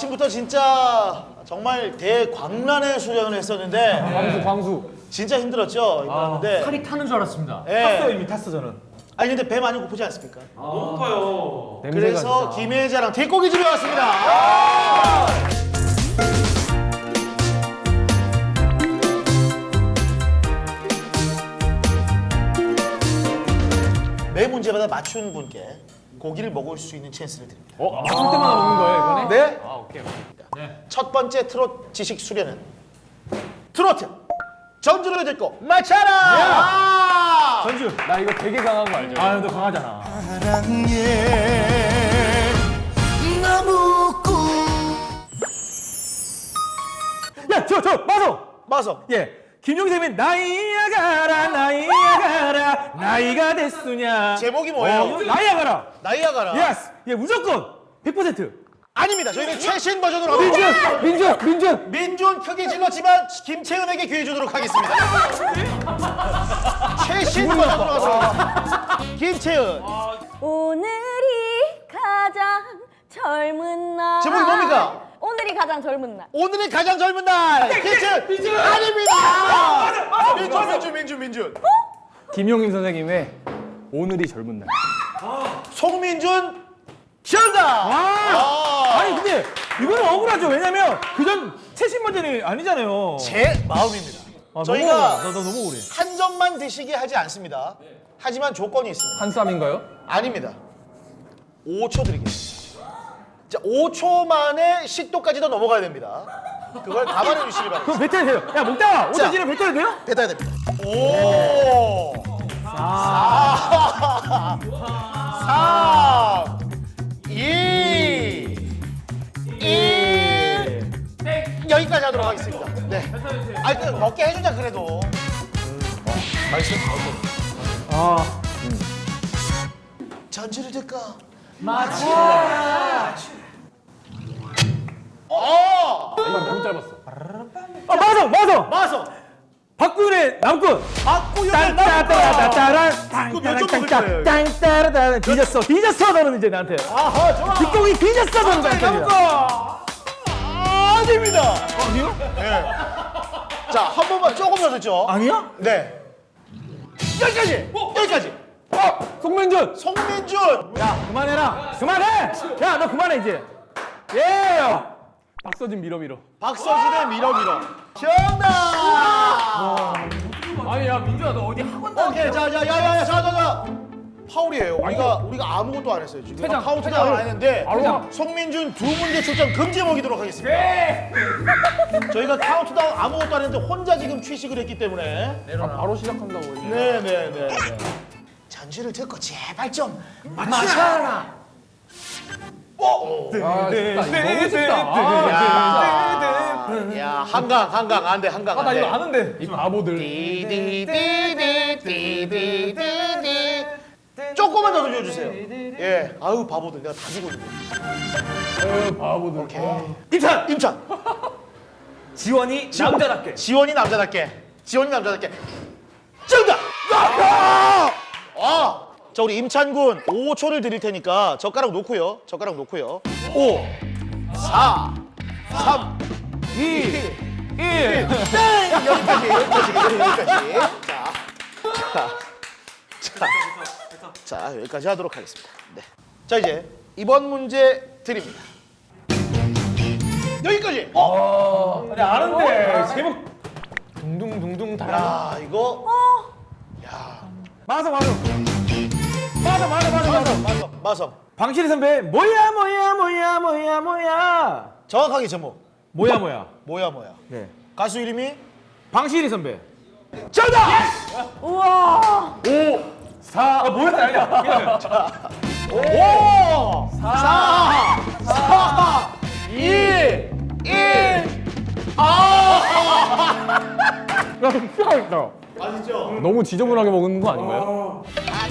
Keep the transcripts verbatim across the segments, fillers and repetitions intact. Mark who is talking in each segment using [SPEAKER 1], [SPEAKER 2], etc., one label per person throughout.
[SPEAKER 1] 아침부터 진짜 정말 대광란의 수련을 했었는데
[SPEAKER 2] 광수 광수.
[SPEAKER 1] 진짜 힘들었죠. 힘들었는데
[SPEAKER 3] 팔이 타는 줄 알았습니다.
[SPEAKER 1] 예.
[SPEAKER 2] 탔어 이미 탔어 저는.
[SPEAKER 1] 아니 근데 배 많이 고프지 않습니까?
[SPEAKER 3] 너무 고파요.
[SPEAKER 1] 그래서 김혜자랑 뒷고기 집에 왔습니다. 아! 매 문제마다 맞춘 분께 고기를 먹을 수 있는 찬스를 드립니다.
[SPEAKER 2] 어? 맞출 때마다 먹는 거예요 이번에?
[SPEAKER 1] 네.
[SPEAKER 2] 아 오케이 오케이.
[SPEAKER 3] 네.
[SPEAKER 1] 첫 번째 트롯 지식 수련은 트로트 전주를 듣고 맞춰라. 아!
[SPEAKER 2] 전주. 나 이거 되게 강한 거 알죠? 아, 너 강하잖아.
[SPEAKER 1] 사랑의 나무꾼.
[SPEAKER 2] 야, 저, 저, 마성.
[SPEAKER 1] 마성.
[SPEAKER 2] 예. 김용샘의 나이야 가라, 나이야 가라, 나이가 됐으냐.
[SPEAKER 1] 제목이 뭐예요?
[SPEAKER 2] 어, 나이야 가라.
[SPEAKER 1] 나이아가라.
[SPEAKER 2] 예스. 예, 무조건 백 퍼센트.
[SPEAKER 1] 아닙니다. 저희는 최신 버전으로 합니다.
[SPEAKER 2] 민준, 민준, 민준.
[SPEAKER 1] 민준 크게 질렀지만 김채은에게 기회 주도록 하겠습니다. 최신 버전으로 가서 김채은.
[SPEAKER 4] 오늘이 가장 젊은 날.
[SPEAKER 1] 제목이 뭡니까?
[SPEAKER 4] 오늘이 가장 젊은 날.
[SPEAKER 1] 오늘이 가장 젊은 날. 김채은. 민준. 아닙니다. 민준, 민준, 민준, 민준.
[SPEAKER 2] 김용임 선생님의 오늘이 젊은 날.
[SPEAKER 1] 송민준. 정답.
[SPEAKER 2] 아, 아니 근데 이거는 억울하죠. 왜냐면 그전 최신 버전이 아니잖아요.
[SPEAKER 1] 제 마음입니다.
[SPEAKER 2] 아,
[SPEAKER 1] 저희가
[SPEAKER 2] 너무 억울해. 나, 나 너무 억울해.
[SPEAKER 1] 한 점만 드시게 하지 않습니다. 하지만 조건이 있습니다.
[SPEAKER 2] 한 쌈인가요?
[SPEAKER 1] 아닙니다. 오 초 드리겠습니다. 자, 오 초 만에 식도까지도 넘어가야 됩니다. 그걸 감안해 주시기 바랍니다.
[SPEAKER 2] 그럼 뱉어야 돼요. 야 먹다가
[SPEAKER 1] 자.
[SPEAKER 2] 오타지를 뱉어야 돼요?
[SPEAKER 1] 뱉어야 됩니다. 오! 사! 삼! 이! 일! 여기까지 하도록 하겠습니다. 네. 아니, 그 먹게 해주자, 그래도. 어, 맛있어?
[SPEAKER 2] 아,
[SPEAKER 1] 전주를 듣고 맞춰라. 어!
[SPEAKER 2] 이거 너무 짧았어. 아 마성, 마성.
[SPEAKER 1] 마서
[SPEAKER 2] 박구윤의 남꾼.
[SPEAKER 1] 박구윤의
[SPEAKER 2] 땅따따따따따라
[SPEAKER 1] 그거 몇점 먹을 거예요?
[SPEAKER 2] 땅따라따라 뒤졌어, 뒤졌어 너는 이제 나한테.
[SPEAKER 1] 아하, 좋아.
[SPEAKER 2] 뒷공이 뒤졌어 너는 나한테.
[SPEAKER 1] 아닙니다.
[SPEAKER 2] 아니요?
[SPEAKER 1] 네. 자, 한 번만 조금 더 듣죠.
[SPEAKER 2] 아니야?
[SPEAKER 1] 네. 여기까지. 여기까지.
[SPEAKER 2] 어, 송민준.
[SPEAKER 1] 송민준.
[SPEAKER 2] 야 그만해라. 그만해. 야 너 그만해 이제. 예. 박서진 밀어 밀어.
[SPEAKER 1] 박서진의 밀어 밀어. 정답.
[SPEAKER 2] 아니 야 민준아 너 어디 학원
[SPEAKER 1] 오케이, 자, 자, 야, 야, 야, 자, 자, 자. 파울이에요. 우리가 우리가 아무것도 안 했어요. 지금
[SPEAKER 2] 퇴장,
[SPEAKER 1] 카운트다운 안 했는데
[SPEAKER 2] 퇴장.
[SPEAKER 1] 송민준 두 문제 출전 금지 먹이도록 하겠습니다. 저희가 카운트다운 아무것도 안 했는데 혼자 지금 취식을 했기 때문에.
[SPEAKER 2] 아, 바로 시작한다고 이제.
[SPEAKER 1] 네, 네, 네. 네. 전주를 듣고 제발 좀 맞춰라. 어?
[SPEAKER 2] 아 쉽다. 이거 너무 쉽다.
[SPEAKER 1] 야,
[SPEAKER 2] 아,
[SPEAKER 1] 야, 한강, 한강 안 돼, 한강 안
[SPEAKER 2] 나
[SPEAKER 1] 돼.
[SPEAKER 2] 이거 아는데. 이 바보들.
[SPEAKER 1] 디디디디디디디디. 조금만 더 들려주세요. 예, 아유 바보들, 내가 다 주고 있는데.
[SPEAKER 2] 어, 바보들.
[SPEAKER 1] 오케이. 임찬, 임찬.
[SPEAKER 2] 지원이 남자답게.
[SPEAKER 1] 지원이 남자답게. 지원이 남자답게. 정답. 아! 아, 자 우리 임찬군 오 초를 드릴 테니까 젓가락 놓고요. 젓가락 놓고요. 오, 사, 삼,
[SPEAKER 2] 이, 일.
[SPEAKER 1] 땡! 여기까지, 여기까지, 여기까지. 자, 자, 자, 자, 여기까지 하도록 하겠습니다. 네. 자, 이제 이번 문제 드립니다. 여기까지. 어,
[SPEAKER 2] 아니 아는데 제목 둥둥둥둥 달아.
[SPEAKER 1] 야, 이거
[SPEAKER 2] 맞아 맞아. 맞아 맞아 맞아 맞아.
[SPEAKER 1] 마성, 마성.
[SPEAKER 2] 방실이 선배 뭐야 뭐야 뭐야 뭐야 뭐야.
[SPEAKER 1] 정확하게 제목.
[SPEAKER 2] 뭐야 뭐야.
[SPEAKER 1] 뭐야, 뭐야.
[SPEAKER 2] 네.
[SPEAKER 1] 가수 이름이
[SPEAKER 2] 방실이 선배.
[SPEAKER 1] 정답.
[SPEAKER 4] 우와.
[SPEAKER 2] 오, 사. 아 뭐야 아니야.
[SPEAKER 1] 오, 사, 사, 이, 일. 아!
[SPEAKER 2] 나 피하겠다.
[SPEAKER 1] 맛있죠?
[SPEAKER 2] 너무 지저분하게 먹는 거 아닌가요?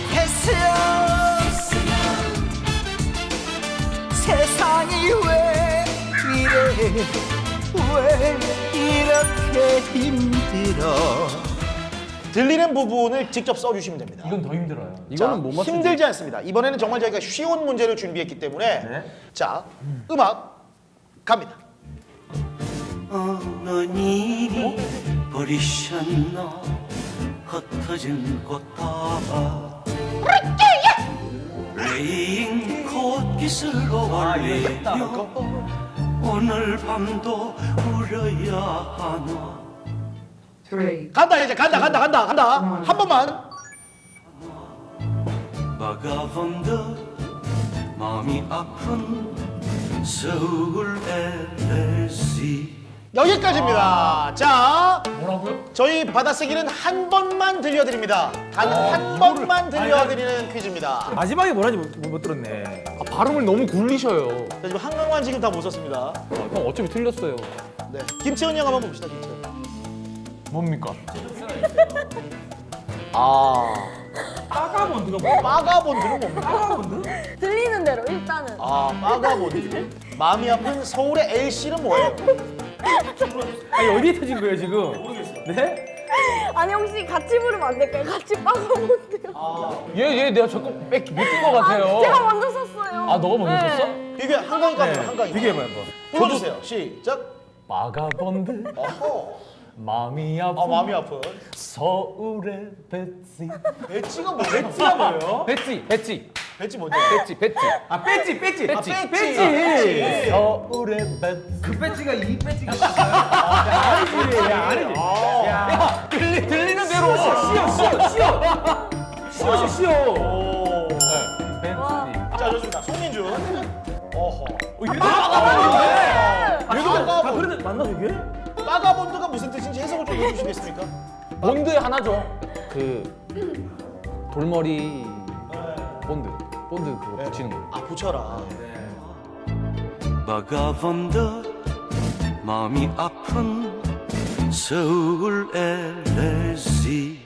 [SPEAKER 5] 세상이 왜 이래 왜 이렇게 힘들어
[SPEAKER 1] 들리는 부분을 직접 써주시면 됩니다.
[SPEAKER 2] 이건 더 힘들어요.
[SPEAKER 1] 자,
[SPEAKER 2] 이거는 못 맞추지.
[SPEAKER 1] 힘들지 않습니다. 이번에는 정말 저희가 쉬운 문제를 준비했기 때문에 자, 음악 갑니다.
[SPEAKER 5] 어느 님이 버리셨나 흩어진 꽃다발 레인콧깃으로 올리며 오늘 밤도 울어야 하나
[SPEAKER 6] three,
[SPEAKER 1] 간다 이제 간다 간다 간다 간다. 한 번만.
[SPEAKER 5] 막아본 듯 마음이 아픈 서울 엘에스씨
[SPEAKER 1] 여기까지입니다. 자,
[SPEAKER 3] 뭐라고요?
[SPEAKER 1] 저희 받아쓰기는 한 번만 들려드립니다. 단 한 번만 들려드리는 퀴즈입니다.
[SPEAKER 2] 마지막에 뭐라지 못, 못 들었네.
[SPEAKER 3] 아, 발음을 너무 굴리셔요.
[SPEAKER 1] 자, 지금 한강만 지금 다 못 썼습니다.
[SPEAKER 3] 형 어차피 틀렸어요.
[SPEAKER 1] 네, 김채원 형 한번 봅시다. 김채원.
[SPEAKER 3] 뭡니까?
[SPEAKER 1] 아,
[SPEAKER 2] 빠가본드가 뭐야?
[SPEAKER 1] 빠가본드는 뭡니까?
[SPEAKER 2] 빠가본드?
[SPEAKER 4] 들리는 대로 일단은.
[SPEAKER 1] 아, 빠가본드. 마음이 아픈 서울의 엘씨는 뭐예요?
[SPEAKER 2] 아니 어디에 터진 거예요 지금? 모르겠어. 네?
[SPEAKER 4] 아니 혹시 같이 부르면 안 될까요? 같이 빠가본데요.
[SPEAKER 3] 얘, 얘 내가 자꾸 뺏, 뺏긴 것 같아요.
[SPEAKER 4] 제가 먼저 썼어요.
[SPEAKER 3] 아, 너가 먼저
[SPEAKER 4] 네.
[SPEAKER 3] 썼어?
[SPEAKER 1] 이게 한강이 갑니다. 한강이.
[SPEAKER 2] 비교해봐요 한번.
[SPEAKER 1] 불러주세요. 시작.
[SPEAKER 3] 마가본드
[SPEAKER 1] 어허.
[SPEAKER 3] 마음이 아픈
[SPEAKER 1] 아, 마음이 아픈.
[SPEAKER 3] 서울의 배지.
[SPEAKER 1] 배지가 뭐예요?
[SPEAKER 2] 배지가 뭐예요?
[SPEAKER 3] 배지, 배지,
[SPEAKER 1] 배지 뭐죠?
[SPEAKER 3] 배지, 배지.
[SPEAKER 2] 아 배지 배지
[SPEAKER 3] 배지.
[SPEAKER 2] 아,
[SPEAKER 1] 배지.
[SPEAKER 2] 배지.
[SPEAKER 3] 서울의 배지.
[SPEAKER 2] 그 배지가 이 배지가 아니지 야 아니지. 야
[SPEAKER 3] 들리, 들리는 대로.
[SPEAKER 2] 쉬어 쉬어 쉬어 쉬어 쉬어.
[SPEAKER 1] 오.
[SPEAKER 3] 배지.
[SPEAKER 1] 자, 좋습니다. 송민준. 어허.
[SPEAKER 2] 아
[SPEAKER 1] 빠가본드.
[SPEAKER 2] 그래도 맞나 저게?
[SPEAKER 1] 빠가본드가 무슨 뜻인지 해석을 좀 해주시겠습니까?
[SPEAKER 3] 본드 하나죠. 그 돌머리 본드, 본드 그거 붙이는 거.
[SPEAKER 1] 아, 붙여라.
[SPEAKER 5] 막아본 듯 마음이 아픈 서울 엘에스씨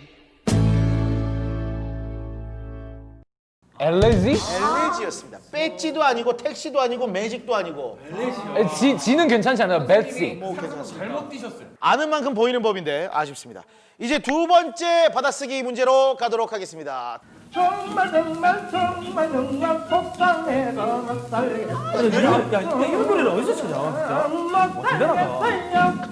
[SPEAKER 3] 엘레지?
[SPEAKER 1] 엘레지였습니다. 배지도 아니고 택시도 아니고 매직도 아니고.
[SPEAKER 3] 에, 지, 지는 괜찮지 않아요? 배지.
[SPEAKER 1] 뭐 괜찮습니다. 잘못 뛰셨어요. 아는 만큼 보이는 법인데 아쉽습니다. 이제 두 번째 받아쓰기 문제로 가도록 하겠습니다.
[SPEAKER 7] 정말 정말 정말 정말 속상해서 못 살겠어.
[SPEAKER 2] 아니, 이런- 야 이런 노래를 어디서 찾아 진짜? 대단하다.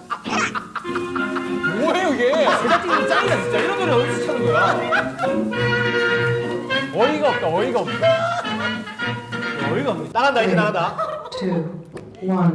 [SPEAKER 3] 뭐예요 이게?
[SPEAKER 2] 제작진이 짱이다 진짜. 이런 노래 어디서 찾는 거야?
[SPEAKER 3] 어이가 없다, 어이가 없다.
[SPEAKER 2] 어이가 없네.
[SPEAKER 1] 나간다 이제 나간다.
[SPEAKER 6] two, one.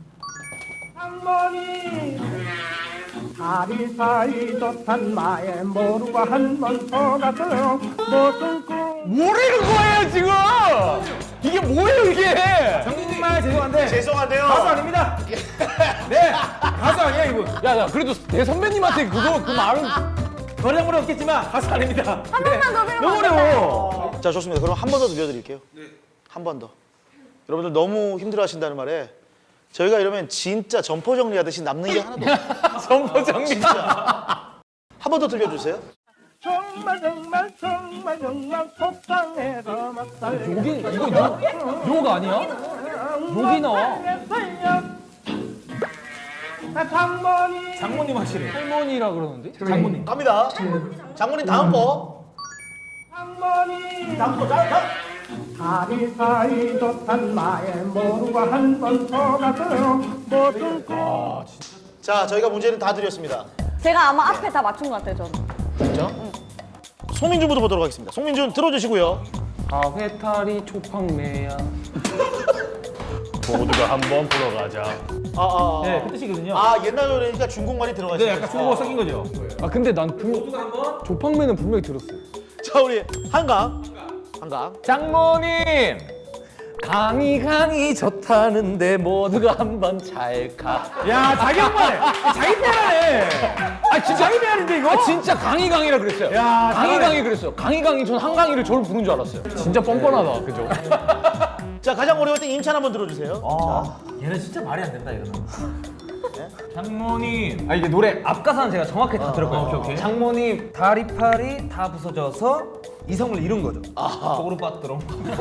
[SPEAKER 7] 할머니 다리 사이 좋단 마에 모르고 한 번 더 가서 무슨 꿈
[SPEAKER 3] 뭐라는 거예요 지금? 이게 뭐예요 이게?
[SPEAKER 2] 정말 죄송한데
[SPEAKER 1] 죄송한데요.
[SPEAKER 2] 가수 아닙니다. 네 가수 아니야 이분.
[SPEAKER 3] 야야 그래도 내 선배님한테 그거 그 말은
[SPEAKER 2] 노래장물은 없겠지만 가수 아닙니다.
[SPEAKER 4] 한 번만 더 들어봐.
[SPEAKER 2] 너무 어려워.
[SPEAKER 1] 자, 좋습니다. 그럼 한 번 더 들려드릴게요. 한 번 더. 여러분들 너무 힘들어하신다는 말에 저희가 이러면 진짜 점포 정리하듯이 남는 게 하나도 없어요.
[SPEAKER 3] 정보 정리.
[SPEAKER 1] 한 번 더 들려주세요.
[SPEAKER 7] 정말 정말 정말 정말 속상해서 못 살겠어.
[SPEAKER 3] 여기 이거 욕, 욕 아니야? 욕이 나와.
[SPEAKER 7] 장모님
[SPEAKER 2] 장모님 하시래.
[SPEAKER 3] 할머니라 그러는데?
[SPEAKER 2] 장모님.
[SPEAKER 1] 갑니다. 장모님 다음 거.
[SPEAKER 7] 장모님
[SPEAKER 1] 다음 거. 자, 자.
[SPEAKER 7] 다리 사이 좋단 마에 모르고 한 번 더 가서 무슨 꿈
[SPEAKER 1] 자, 저희가 문제는 다 드렸습니다.
[SPEAKER 4] 제가 아마 앞에 다 맞춘 것 같아요, 저는.
[SPEAKER 1] 그렇죠? 송민준부터 보도록 하겠습니다. 송민준 들어주시고요.
[SPEAKER 3] 아 회탈이 초팡매야.
[SPEAKER 8] 모두가 한번 보러 가자.
[SPEAKER 1] 아, 아, 아.
[SPEAKER 2] 네, 그 뜻이거든요.
[SPEAKER 1] 아, 옛날 노래니까 중국말이 들어가
[SPEAKER 2] 네,
[SPEAKER 1] 있어요.
[SPEAKER 2] 약간 중국어 섞인 거죠.
[SPEAKER 3] 아 근데 난 분, 조팡매는 분명히 들었어요.
[SPEAKER 1] 자, 우리 한강. 한강.
[SPEAKER 3] 장모님 강이 강이 좋다는데 모두가 한번 잘 가.
[SPEAKER 2] 야, 자기 엄마네. 자기 빼라네.
[SPEAKER 3] 아 진짜
[SPEAKER 2] 자기 빼라는데 이거?
[SPEAKER 3] 아 진짜 강이 강이라 그랬어요.
[SPEAKER 2] 야,
[SPEAKER 3] 강이
[SPEAKER 2] 잘하네.
[SPEAKER 3] 강이 그랬어요. 강이 강이 전 한강이를 저를 부른 줄 알았어요. 진짜 뻔뻔하다, 그죠?
[SPEAKER 1] 자, 가장 어려울 때 임찬 한번 들어주세요.
[SPEAKER 2] 아, 얘는 진짜 말이 안 된다 이거는. 장모님. 아 이게 노래 앞가사는 제가 정확히 다 들었거든요. 오케이, 오케이.
[SPEAKER 9] 장모님 다리팔이 다 부서져서 이성을 잃은 거죠.
[SPEAKER 2] 속으로 빠뜨럼.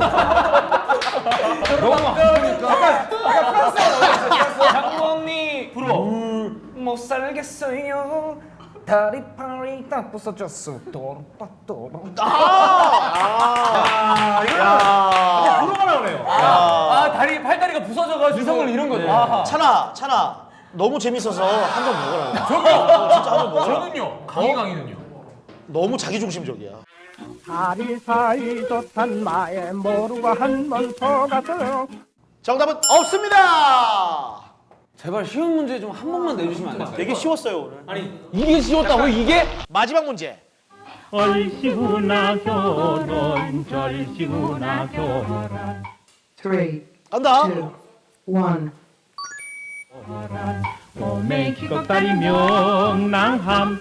[SPEAKER 9] 너무 아프니까. 약간 프랑스어 나오겠어요.
[SPEAKER 2] 장모님. 부러워.
[SPEAKER 9] 못 살겠어요. 다리팔이 다 부서졌어. 또또또.
[SPEAKER 1] 아, 야.
[SPEAKER 2] 프로가 나오네요.
[SPEAKER 3] 아 다리 팔다리가 부서져가지고 이성을 잃은 거죠. 아하.
[SPEAKER 1] 찬아, 찬아. 너무 재밌어서 한 점 먹어라. 저요? 진짜 한 점 먹어라.
[SPEAKER 3] 저는요. 강희 강희는요.
[SPEAKER 1] 너무 자기중심적이야.
[SPEAKER 7] 다리 사이 좋단 마에 모르고 한번 속았어요.
[SPEAKER 1] 정답은 없습니다.
[SPEAKER 9] 제발 쉬운 문제 좀 한 번만 내주시면 안 될까요?
[SPEAKER 1] 되게 쉬웠어요, 오늘.
[SPEAKER 3] 아니 이게 쉬웠다고 이게?
[SPEAKER 1] 마지막 문제.
[SPEAKER 7] 얼씨구나 결혼 절씨구나 결혼
[SPEAKER 6] Three,
[SPEAKER 1] 간다.
[SPEAKER 6] two, one.
[SPEAKER 7] 몸의 기겁다리 명랑합니다.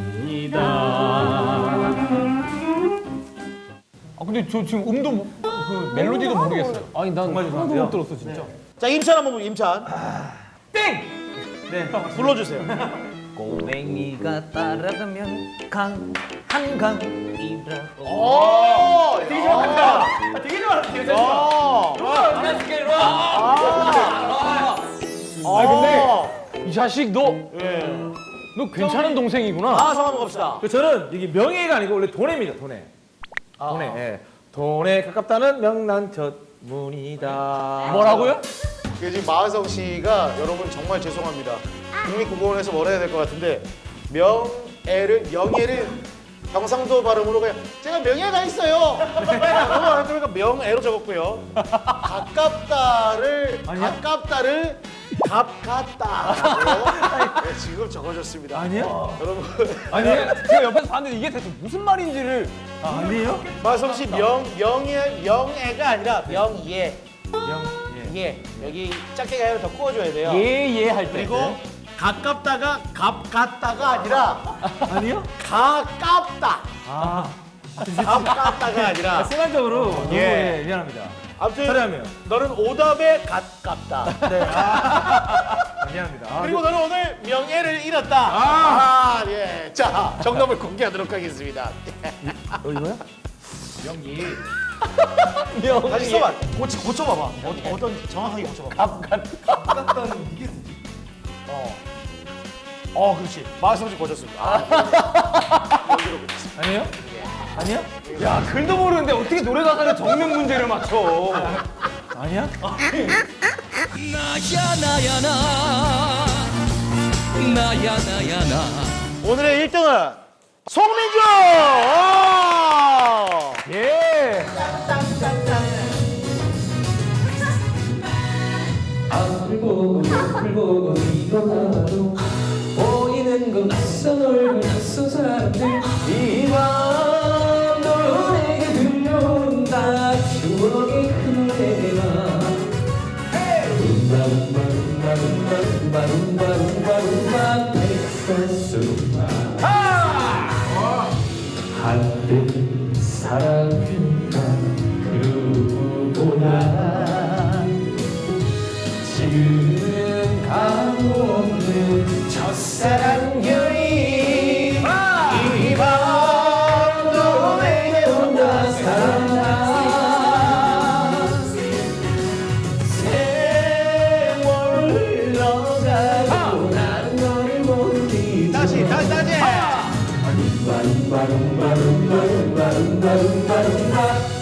[SPEAKER 3] 아 근데 저 지금 음도 모- 그 멜로디도 모르겠어요. 아니 난 하나도 못 들었어 진짜.
[SPEAKER 1] 자, 임찬 한번 보면 임찬.
[SPEAKER 3] 땡!
[SPEAKER 1] 불러주세요.
[SPEAKER 9] 꼬맹이가 따라가면 강 한강이라고.
[SPEAKER 1] 오, 되게 좋아한다.
[SPEAKER 3] 되게 좋아. 되게 좋아.
[SPEAKER 1] 어.
[SPEAKER 3] 안녕하세요. 와.
[SPEAKER 1] 아,
[SPEAKER 3] 근데 이 자식 너 너
[SPEAKER 1] 예.
[SPEAKER 3] 괜찮은 동생이구나.
[SPEAKER 1] 아, 성함 한번 갑시다.
[SPEAKER 2] 그 저는 이게 명예가 아니고 원래 돈해입니다. 돈해. 돈해. 예. 돈에 가깝다는 명난 젖문이다.
[SPEAKER 3] 뭐라고요?
[SPEAKER 1] 그 지금 마하성 씨가 여러분 정말 죄송합니다. 국립국어원에서 뭘 해야 될 것 같은데 명예를 명예를 경상도 발음으로 그냥 제가 명예가 있어요. 그러니까 명예로 적었고요. 가깝다를 가깝다를 갑같다라고 네, 지금 적어줬습니다.
[SPEAKER 2] 아니에요?
[SPEAKER 1] 여러분
[SPEAKER 3] 아니 제가 옆에서 봤는데 이게 대체 무슨 말인지를
[SPEAKER 2] 아, 아니에요?
[SPEAKER 1] 마하성 씨 명 명예 명예가 아니라 명예
[SPEAKER 2] 명 예.
[SPEAKER 1] 예 여기 작게가 아니라 더 구워줘야 돼요.
[SPEAKER 3] 예예 할 때.
[SPEAKER 1] 그리고 가깝다가 갑같다가 아니라
[SPEAKER 2] 아니요?
[SPEAKER 1] 가깝다.
[SPEAKER 2] 아.
[SPEAKER 1] 가깝다가 아니라
[SPEAKER 2] 순간적으로 너무
[SPEAKER 1] 예.
[SPEAKER 2] 예, 미안합니다.
[SPEAKER 1] 아무튼
[SPEAKER 2] 처리하면.
[SPEAKER 1] 너는 오답에 가깝다.
[SPEAKER 2] 네. 아, 미안합니다. 아,
[SPEAKER 1] 그리고 너는 오늘 명예를 잃었다. 아, 예. 자, 정답을 공개하도록 하겠습니다.
[SPEAKER 2] 어, 이거야?
[SPEAKER 1] 다시 써봐. 고쳐, 고쳐봐봐. 어, 어떤 정확하게 고쳐봐봐.
[SPEAKER 3] 갑갑
[SPEAKER 1] 어. 어, 그렇지. 마성씨 고쳤습니다. 아. 여기로 고쳤습니다.
[SPEAKER 2] 아니에요? 아니야?
[SPEAKER 3] 야 글도 모르는데 어떻게 노래 가사를 적는 문제를 맞춰?
[SPEAKER 2] 아니야?
[SPEAKER 5] 나야 나야 나 나야 나야 나
[SPEAKER 1] 오늘의 일 등은 송민주! 오!
[SPEAKER 3] 예.
[SPEAKER 8] 앞을 보고 옆을 보고 일어나도 보이는 건 낯선 얼굴 낯선 사람들 이 밤도 내게 들려온다 추억의 그 노래가 룸바 룸바 룸바 룸바 룸바 룸바 룸바 룸바 텍사스 룸바 한때 사랑했던 그보다 지금 가고 없는 첫사랑 여인 이 밤도 내게 온다 사랑아 세월 흘러가고 나는 너를 모르니
[SPEAKER 1] 다시, 다시, 다시!
[SPEAKER 8] 바rum바rum바rum바rum바rum바rum바rum바rum바